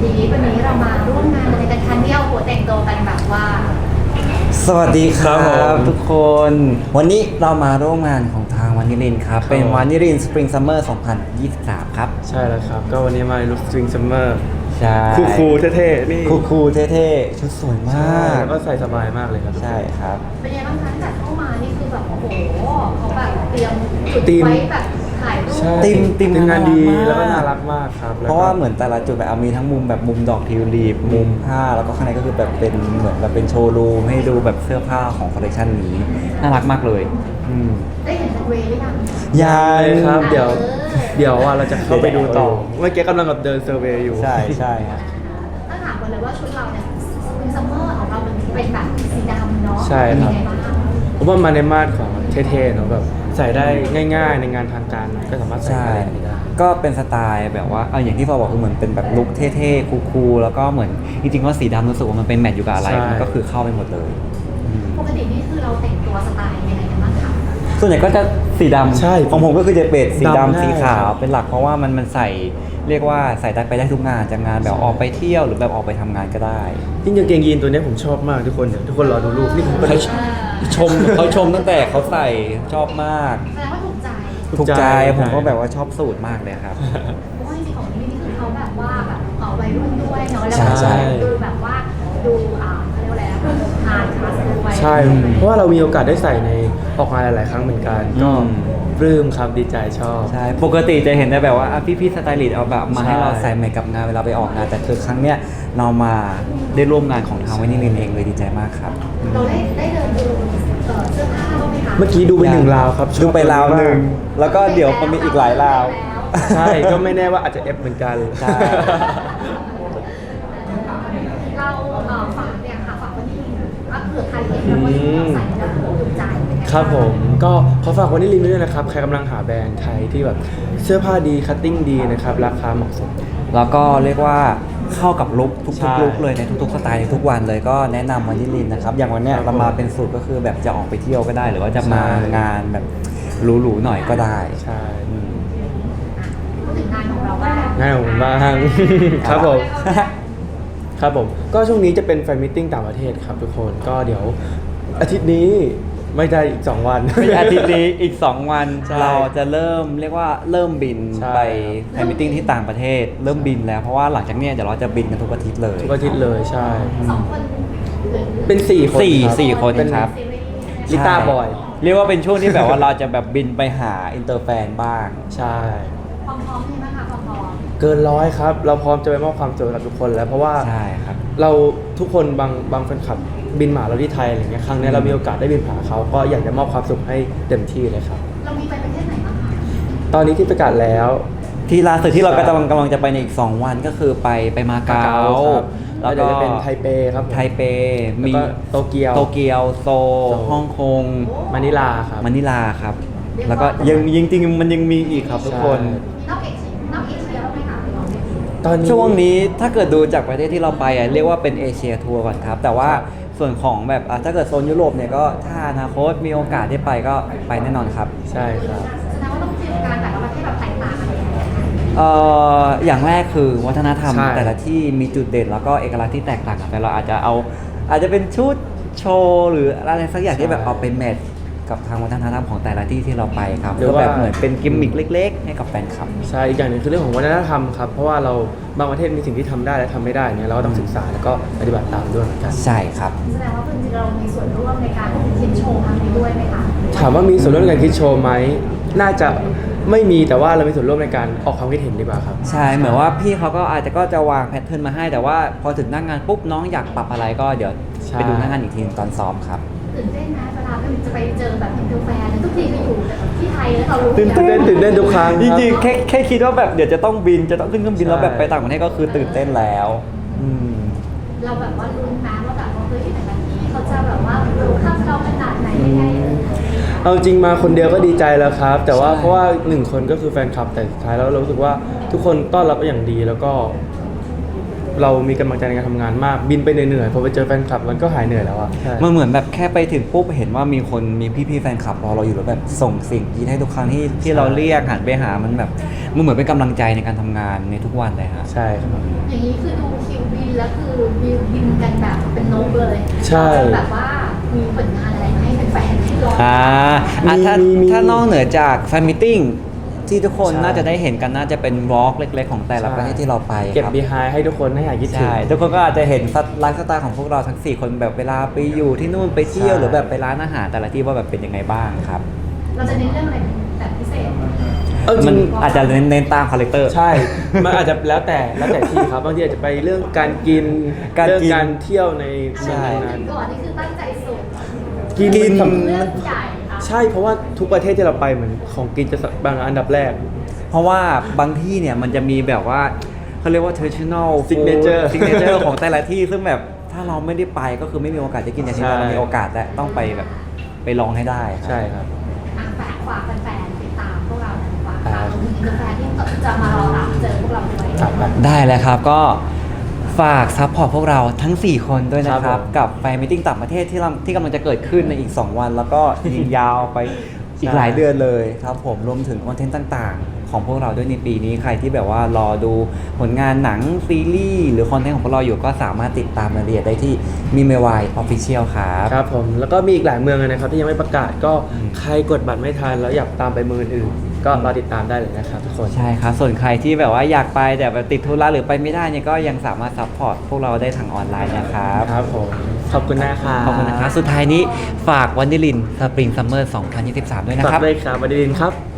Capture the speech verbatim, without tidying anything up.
ทีนี้วันนี้เรามาร่วมงานอะไรกันคะเนี่ยโอ้โหแต่งตัวกันแบบว่าสวัสดีครัครับ บผมทุกคน วันนี้เรามาร่วมงานของทางวานิลินครับครับเป็นวานิลินสปริงซัมเมอร์สองพันยี่สิบสามครับใช่แล้วครับ ก็วันนี้มาในลุคสตริงซัมเมอร์ใช่คูคูลๆเท่ๆนี่คูคูลๆเท่ๆ ชุดสวยมใช่ากแล้วก็ใส่สบายมากเลยครับใช่ครับเป็นยังไงบ้างคะตั้งแต่เข้ามานี่คือแบบโอ้โหเขาแบบเตรียมจุดธีมไว้แบบถ่ายรูปใช่ติมติมงานดีน่ารักมากแล้วก็น่ารักมากครับเพราะว่าเหมือนแต่ละจุดแบบเอามีทั้งมุมแบบมุมดอกทิวลิปมุมผ้าแล้วก็ข้างในก็คือแบบเป็นเหมือนแบบเป็นโชว์รูมให้ดูแบบเสื้อผ้าของคอลเลคชันนี้น่ารักมากเลยอืมได้เห็นสเวย์หรือยังยัใช่งครับ เดี๋ยวเออเดี๋ยวว่าเราจะเข้าไปดูต่อเดี๋ยวเมื่อกี้กำลังกับเดินเซอร์เวย์อยู่ใช่ใช่ครับต้องถามกันเลยว่าชุดเราเนี่ยเป็นซัมเมอร์ของเราเป็นเป็นแบบสีดำเนาะใช่ครับเป็นยังไงบ้างผมว่ามาในมาตรของเท่ๆเนาะแบบใส่ได้ง่าย ๆ ในงานทางการก็สามารถใส่ใช่อะไรอย่างนี้ได้ก็เป็นสไตล์แบบว่าเอาอย่างที่ฟอบอกคือเหมือนเป็นแบบลุคเท่ๆคูลๆแล้วก็เหมือนจริงๆว่าสีดำรู้สึกว่ามันเป็นแมทอยู่กับอะไรใช่มันก็คือเข้าไปหมดเลยอืมปกตินี่คือเราแต่งตัวสไตล์ยังไงกันบ้างคะส่วนใหญ่ก็จะสีดำใช่ของผมก็คือจะเป็นสีดำดำได้สีขาวเป็นหลักเพราะว่ามันมันใส่เรียกว่าใส่ได้ไปได้ทุกงานจากงานแบบออกไปเที่ยวหรือแบบออกไปทำงานก็ได้ยิ่งกางเกงยีนตัวเนี้ยผมชอบมากทุกคนเดี๋ยวทุกคนรอดูรูปนี่ผมก็ได้ชมเขาชมตั้งแต่เขาใส่ชอบมากแสดงว่าถูกใจถูถูกกใจใจผมก็แบบว่าชอบสูตรมากเลยครับเพราะว่าจริงๆของนี่นี่คือเขาแบบว่าแบบเอ่อวัยรุ่นด้วยเนาะแล้วใช่ก็ใช่ดูแบบว่าดูอ่าเขาเรียกว่าอะไรนะทานคลาสด้วยใช่ เพราะว่าเรามีโอกาสได้ใส่ในออกงานหลาย ๆ ครั้งเหมือนกัน ก็อืมปลื้มครับดีใจชอบใช่ ปกติจะเห็นได้แบบว่าอ่ะพี่ๆสไตลิสต์เอาแบบมาใช่ให้เราใส่แมทกับงานเวลาไปออกงาน แต่คือครั้งเนี้ยเรามาได้ร่วมงานของทางวินิลินเองเลยดีใจมากครับเราได้ได้เดินดูเอ่อเสื้อผ้าบ้างไหมคะเมื่อกี้ดูไปหนึ่งราวครับชอบดูไปราวหนึ่งมแล้วก็เดี๋ยวมันมีอีกหลายราวากใช่ ก็ไม่แน่ว่าอาจจะเอฟเหมือนกันใช่เราเอ่อฝากเนี่ยค่ะฝากวันนี้ว่าเผื่อใครเห็นแล้ววันนี้เราใส่แล้วถูกใจเป็นไงางครับผม ก็ขอฝากวันนี้ลินไว้ด้วยนะครับ ใครกำลังหาแบรนด์ไทยที่แบบเสื้อผ้าดีคัตติ้งดีนะครับ ราคาเหมาะสมแล้วก็เรียกว่าเข้ากับลุคทุใช่กๆลุคเลยในทุกๆสไตล์ในทุกวันเลยก็แนะนำวินิลินนะครับ อย่างวันเนี้ยครับเรามาเป็นสูตรก็คือแบบจะออกไปเที่ยวก็ได้ หรือว่าจะมาใช่งานแบบหรูๆหน่อยก็ได้ใช่อืมพูดถึงงานของเราบ้างง่ายของผมบ้าง ครับผม ครับผม ก็ช่วงนี้จะเป็นแฟนมิทติ้งต่างประเทศครับทุกคน ก็เดี๋ยวอาทิตย์นี้ไม่ได้อีก สอง วันไม่ใช่อาทิตย์นี้อีก สอง วันใช่เราจะเริ่มเรียกว่าเริ่มบินใช่ไปแฟนมิทติ้งที่ต่างประเทศ เริ่มบินแล้วเพราะว่าหลังจากเนี้ยเดี๋ยวเราจะบินกันทุกอาทิตย์เลยทุกอาทิตย์เลยใช่สองคนหรือเป็นสี่คนสี่รับสี่คนเป็นครับซีรีส์ลิต้าบอยเรียกว่าเป็นช่วงที่แบบว่าเราจะแบบบินไปหาอินเตอร์แฟนบ้างใช่ความพร้อมใช่ไหมคะความพร้อมเกินร้อยครับ เราพร้อมจะไปมอบความสุขกับทุกคนแล้วเพราะว่าใช่ครับเราทุกคนบางบางแฟนคลับบินมาหาเราที่ไทยอะไรเงี้ยครั้งเนี้ยเรามีโอกาสได้บินหาเขาก็อยากจะมอบความสุขให้เต็มที่เลยครับเรามีไปประเทศไหนบ้างคะตอนนี้ที่ประกาศแล้วที่ล่าสุดที่เราใช่กำลังกำลังจะไปในอีก สอง วันก็คือไปไปมาเก๊าครับแล้วเดี๋ก็ยวจะเป็นไทเปครับผมไทเปแล้วมีก็โตเกียวโตเกียวโซลโซลฮ่องกงมะนิลาครับมะนิลาครับ แล้วก็ยังยังจริงๆมันยังมีอีกครับทุกคนใช่มีนอกเอเชียนอกเอเชียบ้างไหมคะตอนนี้ช่วงนี้ถ้าเกิดดูจากประเทศที่เราไปอ่ะเรียกว่าเป็นเอเชียทัวร์ก่อนครับ แต่ว่าส่วนของแบบอ่ะถ้าเกิดโซนยุโรปเนี่ยก็ถ้าอนาคตมีโอกาสได้ไปก็ไปแน่นอนครับใช่ครับแสดงว่าต้องจินตนาการแต่ละประเทศแบบแตกต่างกันยังไงคะเอ่ออย่างแรกคือวัฒนธรรมใช่แต่ละที่มีจุดเด่นแล้วก็เอกลักษณ์ที่แตกต่างกันไปเราอาจจะเอาอาจจะเป็นชุดโชว์หรืออะไรสักอย่างที่แบบเอาเป็นแมทกับทางวัฒนธรรมของแต่ละที่ที่เราไปครับก็แบบเหมือนเป็นกิมมิคเล็ก ๆ ให้กับแฟนคลับใช่อีกอย่างหนึ่งคือเรื่องของวัฒนธรรมครับเพราะว่าเราบางประเทศมีสิ่งที่ทำได้และทำไม่ได้เนี่ยเราก็ต้องศึกษาแล้วก็ปฏิบัติตามด้วยเหมือนกันใช่ครับแสดงว่าจริงๆเรามีส่วนร่วมในการคิดโชว์ครั้งนี้ด้วยไหมคะถามว่ามีส่วนร่วมในการคิดโชว์ไหมน่าจะไม่มีแต่ว่าเรามีส่วนร่วมในการออกความคิดเห็นดีกว่าครับใช่เหมือนว่าพี่เขาก็อาจจะก็จะวางแพทเทิร์นมาให้แต่ว่าพอถึงหน้างงานปุ๊บน้องอยากปรับอะไรก็เดี๋ยวใช่ไปดูหน้างงานอีกทีตอนซ้อมครับตื่นเต้นนะเวลาจะไปเจอแบบอินเตอร์แฟนทุกทีไปอยู่ที่ไทยแล้วเรารู้ตื่นเต้นตื่นเต้นทุกครั้งจครับริงๆแค่แค่คิดว่าแบบเดี๋ยวจะต้องบินจะต้องขึ้นเครื่องบินใช่แล้วแบบไปต่างประเทศก็คือตื่นเต้นแล้วอืมเราแบบว่าลุ้นนะว่าแบบว่าเฮ้ยแต่ละที่เขาจะแบบว่ารู้ข้ามเราขนาดไหนยังไงเอาจริงมาคนเดียวก็ดีใจแล้วครับ แต่ว่าใช่เพราะว่าหนึ่งคนก็คือแฟนคลับแต่สุดท้ายแล้วเรารู้สึกว่าทุกคนต้อนรับอย่างดีแล้วก็เรามีกำลังใจในการทำงานมากบินไปเหนื่อยๆพอไปเจอแฟนคลับมันก็หายเหนื่อยแล้วอ่ะใช่มันเหมือนแบบแค่ไปถึงปุ๊บเห็นว่ามีคนมีพี่ๆแฟนคลับรอเราอยู่แล้วแบบส่งสิ่งดีให้ทุกครั้งที่ที่เราเรียกหันไปหามันแบบมันเหมือนเป็นกำลังใจในการทำงานในทุกวันเลยฮะใช่ครับอย่างนี้คือดูคิวบินแล้วคือบินบินกันแบบเป็นนกเลยใช่เราจะแบบว่ามีผลงานอะไรมาให้แฟนๆได้รออ่าอ่ะถ้ามีมีถ้านอกเหนือจากแฟนมิทติ้งที่ทุกคนใช่น่าจะได้เห็นกันน่าจะเป็นวอล์กเล็กๆ ของแต่ละประเทศที่เราไปเก็บครับบีไฮให้ทุกคนให้หายคิดถึงใช่ทุกคนก็อาจจะเห็นไลฟ์สไตล์ของพวกเราทั้ง สี่ คนแบบเวลาไปอยู่ที่นู่นไปเที่ยวใช่หรือแบบไปร้านอาหารแต่ละที่ว่าแบบเป็นยังไงบ้างครับเราจะเน้นเรื่องอะไรแบบพิเศษเออจมัรินงอาจจะเน้นเน้นตามคาแรคเตอร์ใช่ มันอาจจะแล้วแต่แล้วแต่ที่ครับบางทีอาจจะไปเรื่องการกินการกินเรื่องการเที่ยวในใช่เมืองนั้นก่อนนี่คือตั้งใจสุดกินกินมันสำเรื่องใหญ่ค่ะใช่เพราะว่าทุกประเทศที่เราไปเหมือนของกินจะบางอันดับแรกเพราะว่าบางที่เนี่ยมันจะมีแบบว่าเขาเรียกว่า traditional Signature signature ของแต่ละที่ซึ่งแบบถ้าเราไม่ได้ไปก็คือไม่มีโอกาสจะกินอย่างที่ใช่เรามีโอกาสและต้องไปแบบไปลองให้ได้ครับใช่ครับอ่ะฝากฝากแฟนๆติดตามพวกเราหน่อยฝากอ่าฝากรวมถึงแฟนๆที่จะมารอรับเจอพวกเราด้วยครับครับได้เลยครับก็ฝากซัพพอร์ตพวกเราทั้ง สี่ คนด้วยนะคครัรับบผมกับแฟนมิทติ้งต่างประเทศที่เราที่กำลังจะเกิดขึ้นในอีก สอง วัน แล้วก็ยิงยาวไปอีกหลายเดือนเลยครับผมรวมถึงคอนเทนต์ต่างๆ ของพวกเราด้วยในปีนี้ใครที่แบบว่ารอดูผลงานหนังซีรีส์หรือคอนเทนต์ของพวกเราอยู่ก็สามารถติดตามรายละเอียดได้ที่มีเมวายออฟฟิเชียลครับครับผมแล้วก็มีอีกหลายเมืองเลยนะครับที่ยังไม่ประกาศก็อืมใครกดบัตรไม่ทันแล้วอยากตามไปเมืองอื่นๆก็รอติดตามได้เลยนะครับทุกคนใช่ครับ ส่วนใครที่แบบว่าอยากไปแต่แบบติดธุระหรือไปไม่ได้เนี่ยก็ยังสามารถซัพพอร์ตพวกเราได้ทางออนไลน์นะครับครับผมขอบคุณนะครับขอบคุณนะครับ สุดท้ายนี้ฝากวันดิลินสปริงซัมเมอร์สองพันยี่สิบสามด้วยนะฝากครับด้วยครับวันดีลินครับ